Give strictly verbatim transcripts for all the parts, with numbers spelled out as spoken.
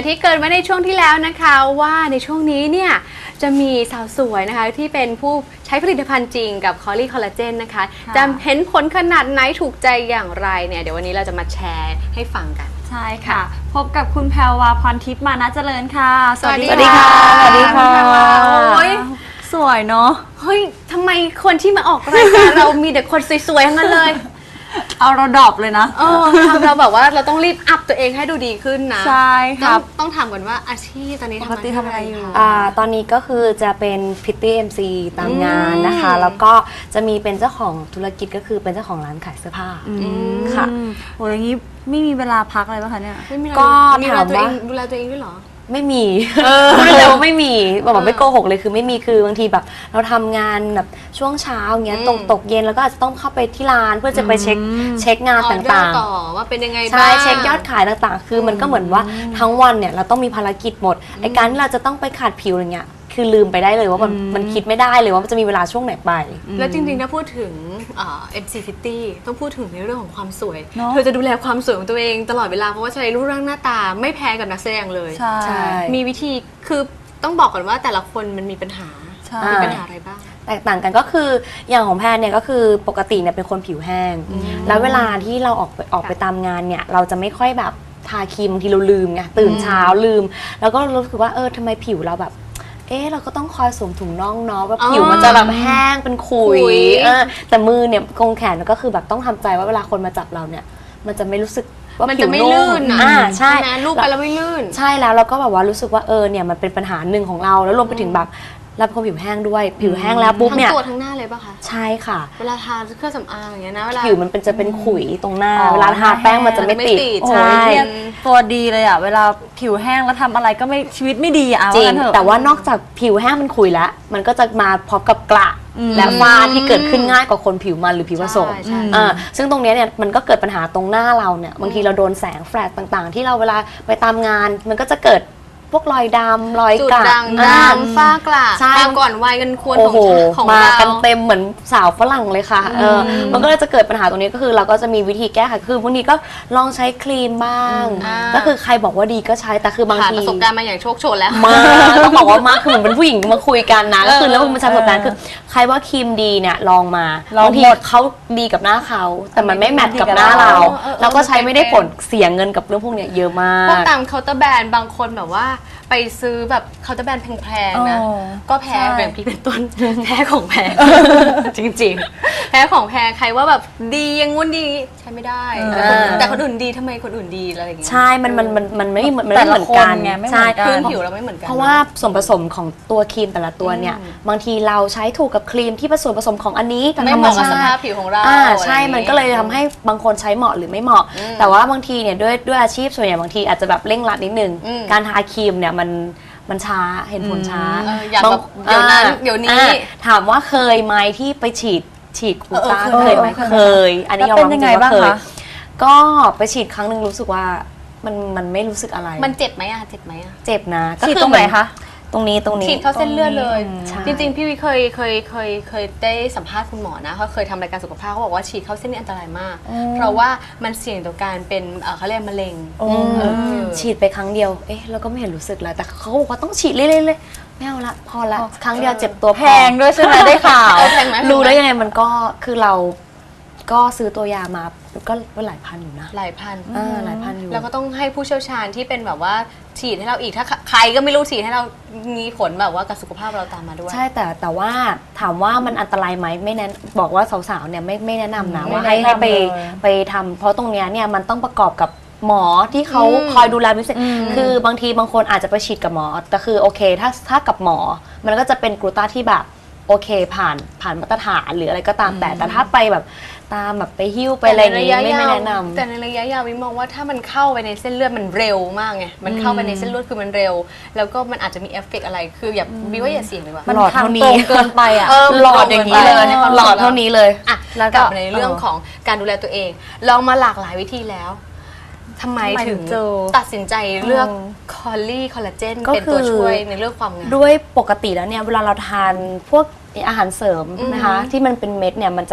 อย่างที่เกริดไว้ในช่วงที่แล้วนะคะว่าในช่วงนี้เนี่ยจะมีสาวสวยนะคะที่เป็นผู้ใช้ผลิตภัณฑ์จริงกับคอลลี่คอลลาเจนนะคะจะเห็นผลขนาดไหนถูกใจอย่างไรเนี่ยเดี๋ยววันนี้เราจะมาแชร์ให้ฟังกันใช่ค่ะพบกับคุณแพรวาพรทิพย์มานะเจริญค่ะสวัสดีค่ะสวัสดีค่ะโอ้ยสวยเนาะเฮ้ยทำไมคนที่มาออกรายการเรามีแต่คนสวยๆทั้งนั้นเลยเอาเราดรอปเลยนะเออทำเราแบบว่าเราต้องรีบอัพตัวเองให้ดูดีขึ้นนะใช่ครับต้องถามก่อนว่าอาชีพตอนนี้ทำอะไรอยู่อ่าตอนนี้ก็คือจะเป็นพิตตี้ เอ็ม ซี ตามงานนะคะแล้วก็จะมีเป็นเจ้าของธุรกิจก็คือเป็นเจ้าของร้านขายเสื้อผ้าค่ะโอ้ยอย่างนี้ไม่มีเวลาพักเลยป่ะคะเนี่ยก็ถามว่าดูแลตัวเองด้วยเหรอไม่มีพูดเลยว่าไม่มีบอกไม่โกหกเลยคือไม่มีคือบางทีแบบเราทำงานแบบช่วงเช้าอย่างเงี้ยตกตกเย็นแล้วก็อาจจะต้องเข้าไปที่ร้านเพื่อจะไปเช็คเช็คงานต่างๆต่อว่าเป็นยังไงบ้างใช่เช็คยอดขายต่างๆคือมันก็เหมือนว่าทั้งวันเนี่ยเราต้องมีภารกิจหมดไอ้การที่เราจะต้องไปขัดผิวอย่างเงี้ยคือลืมไปได้เลยว่ามันมันคิดไม่ได้เลยว่ามันจะมีเวลาช่วงไหนไปแล้วจริงๆถ้าพูดถึงเอ็มซีฟิตตี้ต้องพูดถึงในเรื่องของความสวยเธอจะดูแลความสวยของตัวเองตลอดเวลาเพราะว่าใช้รูปร่างหน้าตาไม่แพ้กับนักแสดงเลยใช่มีวิธีคือต้องบอกก่อนว่าแต่ละคนมันมีปัญหามีปัญหาอะไรบ้างแตกต่างกันก็คืออย่างของแพนเนี่ยก็คือปกติเนี่ยเป็นคนผิวแห้งแล้วเวลาที่เราออกไปออกไปตามงานเนี่ยเราจะไม่ค่อยแบบทาครีมบางทีเราลืมไงตื่นเช้าลืมแล้วก็รู้สึกว่าเออทำไมผิวเราแบบเอ๊ะเราก็ต้องคอยสวมถุงน่องเนาะว่าผิวมันจะแบบแห้งเป็นขุยเออแต่มือเนี่ยกงแขนก็คือแบบต้องทำใจว่าเวลาคนมาจับเราเนี่ยมันจะไม่รู้สึกว่าผิวไม่ลื่นอ่าใช่ลูบไปแล้วไม่ลื่นใช่แล้วเราก็แบบว่ารู้สึกว่าเออเนี่ยมันเป็นปัญหาหนึ่งของเราแล้วรวมไปถึงแบบเราเป็นคนผิวแห้งด้วยผิวแห้งแล้วปุ๊บเนี่ยทั้งตัวทั้งหน้าเลยป่ะคะใช่ค่ะเวลาทาเครื่องสำอางอย่างเงี้ยนะเวลาผิวมันเป็นจะเป็นขุยตรงหน้าเวลาทาแป้งมันจะไม่ติดใช่ตัวดีเลยอ่ะเวลาผิวแห้งแล้วทำอะไรก็ไม่ชีวิตไม่ดีอ่ะจริงแต่ว่านอกจากผิวแห้งมันขุยแล้วมันก็จะมาพร้อมกับกระและฝ้าที่เกิดขึ้นง่ายกว่าคนผิวมันหรือผิวผสมอ่าซึ่งตรงนี้เนี่ยมันก็เกิดปัญหาตรงหน้าเราเนี่ยบางทีเราโดนแสงแฟลชต่างๆที่เราเวลาไปตามงานมันก็จะเกิดพวกรอยดำรอยกระด่างดำฝ้ากระมาก่อนวัยกันควรของของมากันเต็มเหมือนสาวฝรั่งเลยค่ะเออมันก็เลยจะเกิดปัญหาตรงนี้ก็คือเราก็จะมีวิธีแก้ไขคือบางทีก็ลองใช้ครีมบ้างก็คือใครบอกว่าดีก็ใช้แต่คือบางทีประสบการณ์มาอย่างโชคโชนแล้วมาต้องบอกว่ามากคือเหมือนเป็นผู้หญิงมาคุยกันนะก็คือแล้วมันใช้ประสบการณ์คือใครว่าครีมดีเนี่ยลองมาบางทีเขาดีกับหน้าเขาแต่มันไม่แมทกับหน้าเราเราก็ใช้ไม่ได้ผลเสียเงินกับเรื่องพวกนี้เยอะมากพวกตามเคาน์เตอร์แบรนด์บางคนแบบว่าไปซื้อแบบเคาน์เตอร์แบรนด์แพงๆนะก็แพ้แบบพี่เป็นต้นแพ้ของแพงจริงๆแพ้ของแพงใครว่าแบบดียังงุ้นดีใช้ไม่ได้แต่คนอื่นดีทำไมคนอื่นดีอะไรอย่างเงี้ยใช่มันมันมันมันไม่มันไม่เหมือนกันไงใช่พื้นผิวเราไม่เหมือนกันเพราะว่าส่วนผสมของตัวครีมแต่ละตัวเนี่ยบางทีเราใช้ถูกกับครีมที่ผสมผสมของอันนี้ไม่เหมาะกับสภาพผิวของเราอ่าใช่มันก็เลยทำให้บางคนใช้เหมาะหรือไม่เหมาะแต่ว่าบางทีเนี่ยด้วยด้วยอาชีพส่วนใหญ่บางทีอาจจะแบบเร่งรัดนิดนึงการทาครีมเนี่ยมันมันช้าเห็นผลช้าอย่างแบบเดี๋ยวนั้นเดี๋ยวนี้ถามว่าเคยไหมที่ไปฉีดฉีดคูต้าเคยไหมเคยอันนี้ยอมรับจริงว่าเคยก็ไปฉีดครั้งหนึ่งรู้สึกว่ามันมันไม่รู้สึกอะไรมันเจ็บไหมอะเจ็บไหมอะเจ็บนะฉีดตรงไหนคะตรงนี้ตรงนี้ฉีดเข้าเส้นเลือดเลยจริงๆพี่วิเคยเคยเคยเคยได้สัมภาษณ์คุณหมอนะเขาเคยทำรายการสุขภาพเขาบอกว่าฉีดเข้าเส้นนี่อันตรายมากเพราะว่ามันเสี่ยงต่อการเป็นเขาเรียกมะเร็งฉีดไปครั้งเดียวเอ๊ะแล้วก็ไม่เห็นรู้สึกเลยแต่เขาบอกว่าต้องฉีดเรื่อยๆเลยไม่เอาละพอละครั้งเดียวเจ็บตัวแพงด้วยใช่ไหมได้ข่าวแพงไหมรู้ได้ยังไงมันก็คือเราก็ซื้อตัวยามาก็หลายพันอยู่นะหลายพันอ่าหลายพันอยู่แล้วก็ต้องให้ผู้เชี่ยวชาญที่เป็นแบบว่าฉีดให้เราอีกถ้าใครก็ไม่รู้ฉีดให้เรามีผลแบบว่ากับสุขภาพเราตามมาด้วยใช่แต่แต่ว่าถามว่ามันอันตรายไหมไม่แนะบอกว่าสาวๆเนี่ยไม่ไม่แนะนำนะว่าให้ให้ไปไปทำเพราะตรงเนี้ยเนี่ยมันต้องประกอบกับหมอที่เขาคอยดูแลพิเศษคือบางทีบางคนอาจจะไปฉีดกับหมอแต่คือโอเคถ้าถ้ากับหมอมันก็จะเป็นกลูต้าที่แบบโอเคผ่านผ่านมาตรฐานหรืออะไรก็ตามแต่แต่ถ้าไปแบบตามแบบไปหิ้วไปอะไรอย่างนี้ไม่ไม่แนะนำแต่ในระยะยาววิมองว่าถ้ามันเข้าไปในเส้นเลือดมันเร็วมากไงมันเข้าไปในเส้นเลือดคือมันเร็วแล้วก็มันอาจจะมีเอฟเฟกต์อะไรคืออย่าวิว่าอย่าเสี่ยงเลยว่ามันหลอดเท่านี้เกินไปอ่ะหลอดอย่างนี้เลยหลอดเท่านี้เลยอ่ะแล้วกลับในเรื่องของการดูแลตัวเองลองมาหลากหลายวิธีแล้วทำไมถึงตัดสินใจเลือกคอลลี่คอลลาเจนเป็นตัวช่วยในเรื่องความงามด้วยปกติแล้วเนี่ยเวลาเราทานพวกอาหารเสริมนะคะที่มันเป็นเม็ดเนี่ยมันจะ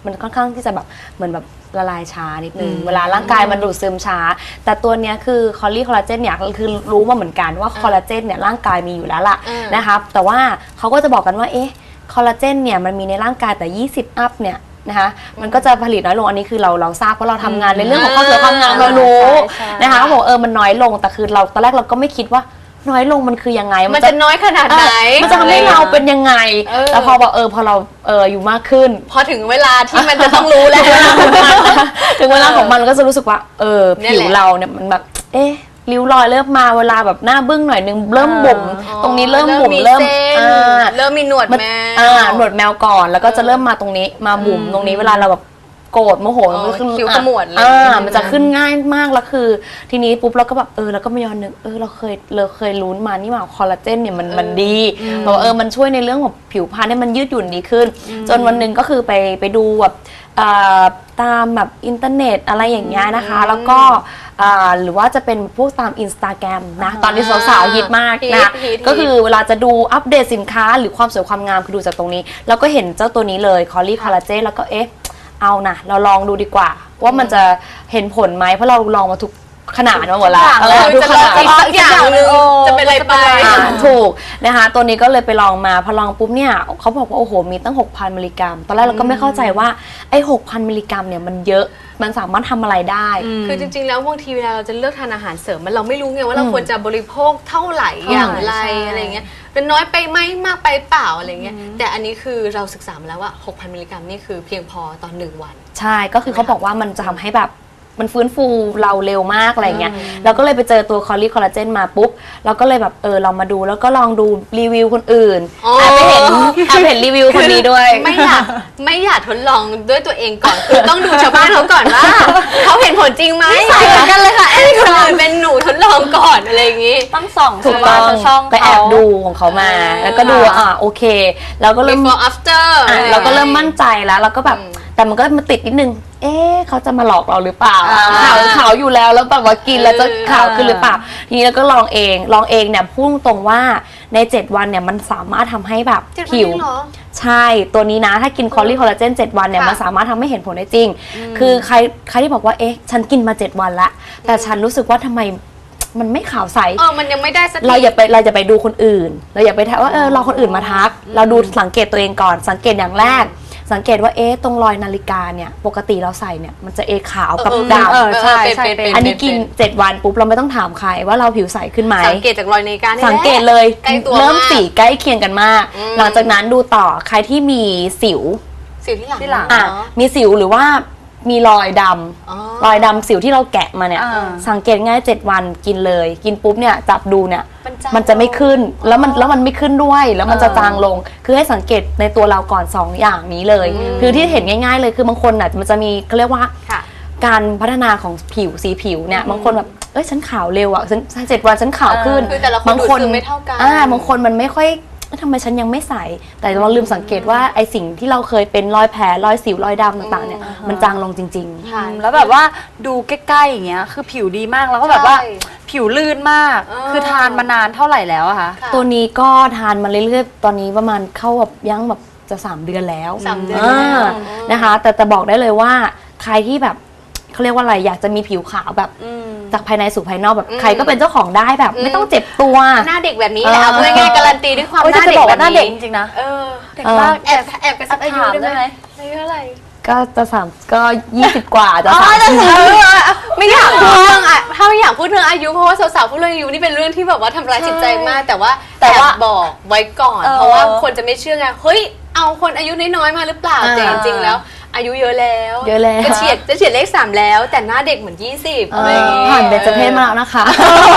มันค่อนข้างที่จะแบบเหมือนแบบละลายช้านิดนึงเวลาร่างกายมันดูดซึมช้าแต่ตัวเนี้ยคือคอลลี่คอลลาเจนเนี่ยคือรู้มาเหมือนกันว่าคอลลาเจนเนี่ยร่างกายมีอยู่แล้วล่ะนะคะแต่ว่าเขาก็จะบอกกันว่าเอ๊ะคอลลาเจนเนี่ยมันมีในร่างกายแต่ยี่สิบอัพเนี่ยนะคะมันก็จะผลิตน้อยลงอันนี้คือเราเราทราบเพราะเราทำงานในเรื่องของความสวยความงามเรารู้นะคะเขาบอกเออมันน้อยลงแต่คือเราตอนแรกเราก็ไม่คิดว่าน้อยลงมันคือยังไงมันจะน้อยขนาดไหนมันจะทำให้เราเป็นยังไงแล้วพอบอกเออพอเราเอออยู่มากขึ้นพอถึงเวลาที่มันจะต้องรู้แล้วถึงเวลาของมันก็จะรู้สึกว่าเออผิวเราเนี่ยมันแบบเอ๊ะริ้วรอยเริ่มมาเวลาแบบหน้าบึ้งหน่อยนึงเริ่มบุ๋มตรงนี้เริ่มบุ๋มเริ่มเริ่มมีหนวดแมวหนวดแมวก่อนแล้วก็จะเริ่มมาตรงนี้มาบุ๋มตรงนี้เวลาเราแบบโกรธโมโหมันก็ขึ้นคิ้วขมวดเลยมันจะขึ้นง่ายมากแล้วคือทีนี้ปุ๊บเราก็แบบเออเราก็ไม่ย้อนนึกเออเราเคยเราเคยลุ้นมานี่ว่าคอลลาเจนเนี่ยมันมันดีบอกเออมันช่วยในเรื่องของผิวพรรณให้มันยืดหยุ่นดีขึ้นจนวันหนึ่งก็คือไปไปดูแบบตามแบบอินเทอร์เน็ตอะไรอย่างเงี้ยนะคะแล้วก็หรือว่าจะเป็นพวกตามอินสตาแกรมนะตอนนี้สาวๆฮิตมากนะก็คือเวลาจะดูอัปเดตสินค้าหรือความสวยความงามคือดูจากตรงนี้แล้วก็เห็นเจ้าตัวนี้เลยคอลลี่คอลลาเจนแล้วก็เอ๊ะเอานะเราลองดูดีกว่าว่ามันจะเห็นผลไหมเพราะเราลองมาทุกขนาดมาหมดแล้วทุกขนาดอีกสักอย่างนึงจะเป็นอะไรไปถูกนะคะตัวนี้ก็เลยไปลองมาพอลองปุ๊บเนี่ยเขาบอกว่าโอ้โหมีตั้ง หกพัน มิลลิกรัมตอนแรกเราก็ไม่เข้าใจว่าไอ้ หกพัน มิลลิกรัมเนี่ยมันเยอะมันสามารถทำอะไรได้คือจริงๆแล้วบางทีเวลาเราจะเลือกทานอาหารเสริมมันเราไม่รู้ไงว่าเราควรจะบริโภคเท่าไหร่อย่างไรอะไรเงี้ยเป็นน้อยไปไหมมากไปเปล่าอะไรเงี้ยแต่อันนี้คือเราศึกษามาแล้วว่า หกพัน มิลลิกรัมนี่คือเพียงพอต่อหนึ่งวันใช่ก็คือเขาบอกว่ามันจะทำให้แบบมันฟื้นฟูเราเร็วมากอะไรเงี้ยเราก็เลยไปเจอตัวคอลลี่คอลลาเจนมาปุ๊บเราก็เลยแบบเออลองมาดูแล้วก็ลองดูรีวิวคนอื่นแอบไปเห็นแอบเห็นรีวิวคนนี้ด้วยไม่อยากไม่อยากทดลองด้วยตัวเองก่อนคือต้องดูชาวบ้านเขาก่อนว่าเขาเห็นผลจริงไหมใช่เหมือนกันเลยค่ะไอ้คนอื่นเป็นหนูทดลองก่อนอะไรอย่างงี้ต้องส่องถูกต้องไปแอบดูของเขามาแล้วก็ดูอ่ะโอเคแล้วก็เริ่ม before after เราก็เริ่มมั่นใจแล้วเราก็แบบแต่มันก็มาติดนิดนึงเอ๊ะเขาจะมาหลอกเราหรือเปล่าขาวขาวอยู่แล้วแล้วแบบว่ากินแล้วจะขาวขึ้นหรือเปล่าทีนี้เราก็ลองเองลองเองเนี่ยพูดตรงว่าในเจ็ดวันเนี่ยมันสามารถทำให้แบบผิวใช่ตัวนี้นะถ้ากินคอลลี่คอลลาเจนเจ็ดวันเนี่ยมันสามารถทำให้เห็นผลได้จริงคือใครใครที่บอกว่าเอ๊ะฉันกินมาเจ็ดวันละแต่ฉันรู้สึกว่าทำไมมันไม่ขาวใสเออมันยังไม่ได้สักเราอย่าไปเราจะไปดูคนอื่นเราอย่าไปทักว่าเออรอคนอื่นมาทักเราดูสังเกตตัวเองก่อนสังเกตอย่างแรกสังเกตว่าเอ๊ะตรงรอยนาฬิกาเนี่ยปกติเราใส่เนี่ยมันจะเอขาวกับดำใช่ใช่อันนี้กินเจ็ดวันปุ๊บเราไม่ต้องถามใครว่าเราผิวใสขึ้นไหมสังเกตจากรอยนาฬิกาสังเกตเลยเริ่มสีใกล้เคียงกันมากหลังจากนั้นดูต่อใครที่มีสิวสิวที่หลังที่หลังอ่ะมีสิวหรือว่ามีรอยดำรอยดำสิวที่เราแกะมาเนี่ยสังเกตง่ายเจ็ดวันกินเลยกินปุ๊บเนี่ยจับดูเนี่ยมันจะไม่ขึ้นแล้วมันแล้วมันไม่ขึ้นด้วยแล้วมันจะจางลงคือให้สังเกตในตัวเราก่อนสองอย่างนี้เลยคือที่เห็นง่ายๆเลยคือบางคนอ่ะมันจะมีเขาเรียกว่าการพัฒนาของผิวสีผิวเนี่ยบางคนแบบเอ้ยฉันขาวเร็วอ่ะฉันเจ็ดวันฉันขาวขึ้นบางคนไม่เท่ากันอ่าบางคนมันไม่ค่อยทำไมฉันยังไม่ใสแต่เราลืมสังเกตว่าไอสิ่งที่เราเคยเป็นรอยแผลรอยสิวรอยดำต่างๆเนี่ยมันจางลงจริงๆแล้วแบบว่าดูใกล้ๆอย่างเงี้ยคือผิวดีมากแล้วก็แบบว่าผิวลื่นมากคือทานมานานเท่าไหร่แล้วอะคะตัวนี้ก็ทานมาเรื่อยๆตอนนี้ประมาณเข้าแบบยังแบบจะสามเดือนแล้วสามเดือนนะคะแต่แต่บอกได้เลยว่าใครที่แบบเขาเรียกว่าอะไรอยากจะมีผิวขาวแบบจากภายในสู่ภายนอกแบบใครก็เป็นเจ้าของได้แบบไม่ต้องเจ็บตัวหน้าเด็กแบบนี้แหละเอาพูดง่ายๆการันตีด้วยความหน้าเด็กแบบนี้จริงๆนะเออเด็กมากแอบแอบกระซิบอายุได้ไหมอายุเท่าไหร่ก็จะสามก็ยี่สิบกว่าจะสามไม่อยากพูดเรื่องอ่ะถ้าไม่อยากพูดเรื่องอายุเพราะว่าสาวๆพูดเรื่องอายุนี่เป็นเรื่องที่แบบว่าทำร้ายจิตใจมากแต่ว่าแต่ว่าบอกไว้ก่อนเพราะว่าคนจะไม่เชื่อไงเฮ้ยเอาคนอายุน้อยๆมาหรือเปล่าแต่จริงๆแล้วอายุเยอะแล้วเยอะแล้วจะเฉียดจะเฉียดเลขสามแล้วแต่หน้าเด็กเหมือนยี่สิบอะไรอย่างงี้ผ่านเบญจเพศมาแล้วนะคะ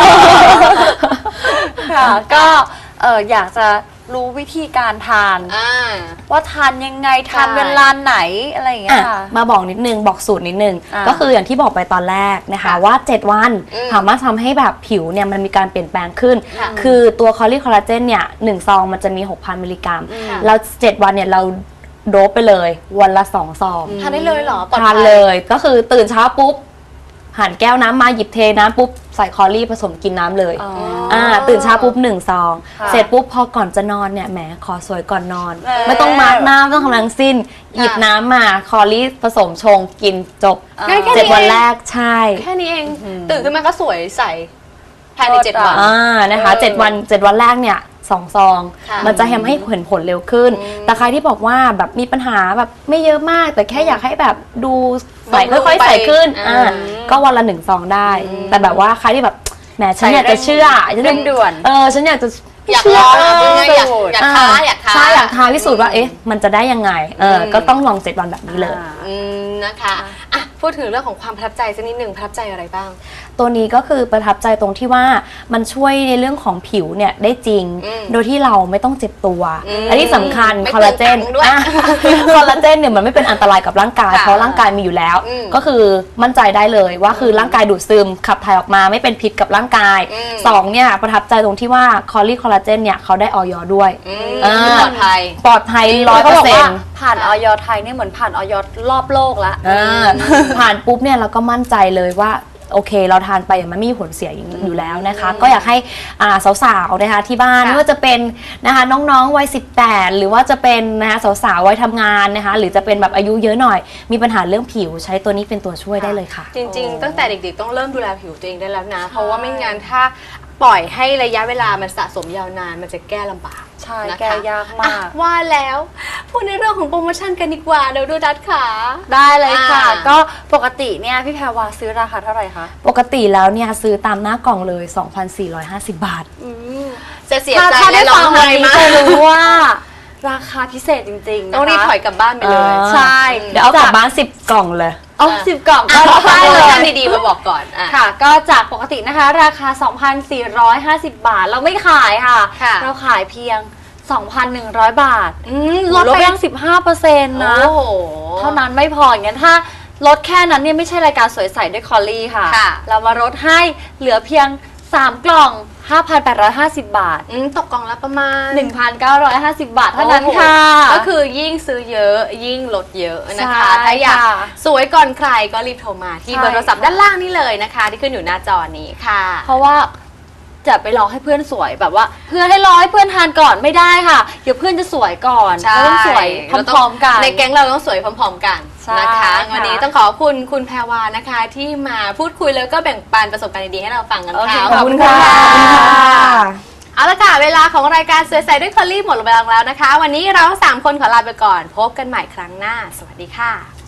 ค่ะก็เอออยากจะรู้วิธีการทานว่าทานยังไงทานเวลาไหนอะไรอย่างเงี้ยค่ะมาบอกนิดนึงบอกสูตรนิดนึงก็คืออย่างที่บอกไปตอนแรกนะคะว่าเจ็ดวันสามารถทำให้แบบผิวเนี่ยมันมีการเปลี่ยนแปลงขึ้นคือตัวคอลลี่คอลลาเจนเนี่ยหนึ่งซองมันจะมี หกพัน มิลลิกรัมแล้วเจ็ดวันเนี่ยเราโดบไปเลยวันละสองซองทานได้เลยเหรอทานเลยก็คือตื่นเช้าปุ๊บผ่านแก้วน้ำมาหยิบเทน้ำปุ๊บใส่คอรี่ผสมกินน้ำเลยอ๋ออ่าตื่นเช้าปุ๊บหนึ่งซองค่ะเสร็จปุ๊บพอก่อนจะนอนเนี่ยแหมขอสวยก่อนนอนเออไม่ต้องมาร์กหน้าไม่ต้องทำอะไรทั้งสิ้น หยิบน้ำมาคอรี่ผสมชงกินจบง่ายแค่นี้เจ็ดวันแรกใช่แค่นี้เองตื่นขึ้นมาก็สวยใสภายในเจ็ดวันอ่านะคะเออเจ็ดวันเจ็ดวันแรกเนี่ยสองซองค่ะมันจะทำให้เห็นผลเร็วขึ้นอืมแต่ใครที่บอกว่าแบบมีปัญหาแบบไม่เยอะมาก แต่แค่อยากให้แบบดูใสบำรุงค่อยๆใสขึ้นไปอ่าอืมก็วันละหนึ่งซองได้ แต่แบบว่าใครที่แบบแหมฉันอยากจะเชื่อฉันเร่งด่วนเออฉันอยากจะอยากลองอะพูดง่ายๆอยากสูตรอยากท้าอยากท้าใช่อยากท้าพิสูจน์ว่าเอ๊ะมันจะได้ยังไงเอออมก็ต้องลองเจ็ดวันแบบนี้เลยอ่าอืมนะคะอ่ะพูดถึงเรื่องของความประทับใจสักนิดหนึ่งประทับใจอะไรบ้างตัวนี้ก็คือประทับใจตรงที่ว่ามันช่วยในเรื่องของผิวเนี่ยได้จริงอืมโดยที่เราไม่ต้องเจ็บตัวอืมและที่สำคัญไม่คอลลาเจนเปลืองตังค์ด้วยอ่ะคอลลาเจนเนี่ยมันไม่เป็นอันตรายกับร่างกายค่ะเพราะร่างกายมีอยู่แล้วอืมก็คือมั่นใจได้เลยว่าคือร่างกายดูดซึมขับถ่ายออกมาไม่เป็นพิษกับร่างกายอืมสองเนี่ยประทับใจตรงที่ว่าคอลลี่คอลลาเจนเนี่ยเขาได้ออยด้วยอืมอ่าปลอดภัยปลอดภัยร้อยเขาเปอบอกร์เซ็นว่าต์ผ่านออยไทยเนี่ยเหมือนผ่านออยรอบโลกแล้วผ่านปุ๊บเนี่ยเราก็มั่นใจเลยว่าโอเคเราทานไปมันไม่มีผลเสียอยู่แล้วนะคะ ก็อยากให้อ่าสาวๆนะคะที่บ้านค่ะไม่ว่าจะเป็นนะคะน้องๆวัยสิบแปดหรือว่าจะเป็นนะคะสาวๆวัยทำงานนะคะหรือจะเป็นแบบอายุเยอะหน่อย มีปัญหาเรื่องผิวใช้ตัวนี้เป็นตัวช่วยได้เลยค่ะจริงๆ ตั้งแต่เด็กๆ ต้องเริ่มดูแลผิวตัวเองได้แล้วนะ เพราะว่าไม่งั้นถ้าปล่อยให้ระยะเวลามันสะสมยาวนานมันจะแก้ลำบากใช่นะคะแก้ยากมากอ่ะว่าแล้วพูดในเรื่องของโปรโมชั่นกันดีกว่าเดี๋ยวดูดัดขาได้เลยค่ะอ่าก็ปกติเนี่ยพี่แพรวาซื้อราคาเท่าไหร่คะปกติแล้วเนี่ยซื้อตามหน้ากล่องเลย สองพันสี่ร้อยห้าสิบ บาทจะเสียถ้าใจถ้าและได้ร้อฟังงไห้วันนี้มากจะรู้ว่า ราคาพิเศษจริงๆนะคะต้องรีบถอยกลับบ้านไปเลยอ่าใช่เดี๋ยวเอากลับบ้านสิบกล่องเลยอ๋อสิบกล่องอ่ะก็ขอได้โปรเลโมยชั่นดีๆมาบอกก่อนอ่ะค่ะ ก็จากปกตินะคะ ราคา สองพันสี่ร้อยห้าสิบ บาท เราไม่ขายค่ะค่ะเราขายเพียง สองพันหนึ่งร้อย บาทอืมลดไปยัง สิบห้าเปอร์เซ็นต์ นะโอ้โหเท่านั้นไม่พออย่างนั้นถ้าลดแค่นั้นเนี่ยไม่ใช่รายการสวยใสด้วยคอลลี่ค่ะค่ะเรามาลดให้เหลือเพียง สาม กล่อง ห้าพันแปดร้อยห้าสิบ บาทอืมตกกล่องละประมาณหนึ่งพันเก้าร้อยห้าสิบ บาทเท่านั้นโอ้โหค่ะก็คือยิ่งซื้อเยอะยิ่งลดเยอะนะคะใช่ถ้าอยากค่ะสวยก่อนใครก็รีบโทรมาที่ใช่เบอร์โทรศัพท์ด้านล่างนี้เลยนะคะ ที่ขึ้นอยู่หน้าจอนี้ค่ะเพราะว่าจะไปรอให้เพื่อนสวยแบบว่า เพื่อนให้รอให้เพื่อนทานก่อนไม่ได้ค่ะ เดี๋ยวเพื่อนจะสวยก่อนใช่เราต้องสวยพร้อมๆกันในแก๊งเราต้องสวยพร้อมๆกันใช่นะคะค่ะวันนี้ต้องขอบคุณคุณแพรวานะคะ ที่มาพูดคุยแล้วก็แบ่งปันประสบการณ์ดีๆให้เราฟังกันโอเคค่ะขอบคุณค่ะเอาละค่ะเวลาของรายการสวยใสด้วยคอลลี่หมดลงไปแล้วนะคะ วันนี้เราสามคนขอลาไปก่อน พบกันใหม่ครั้งหน้า สวัสดีค่ะ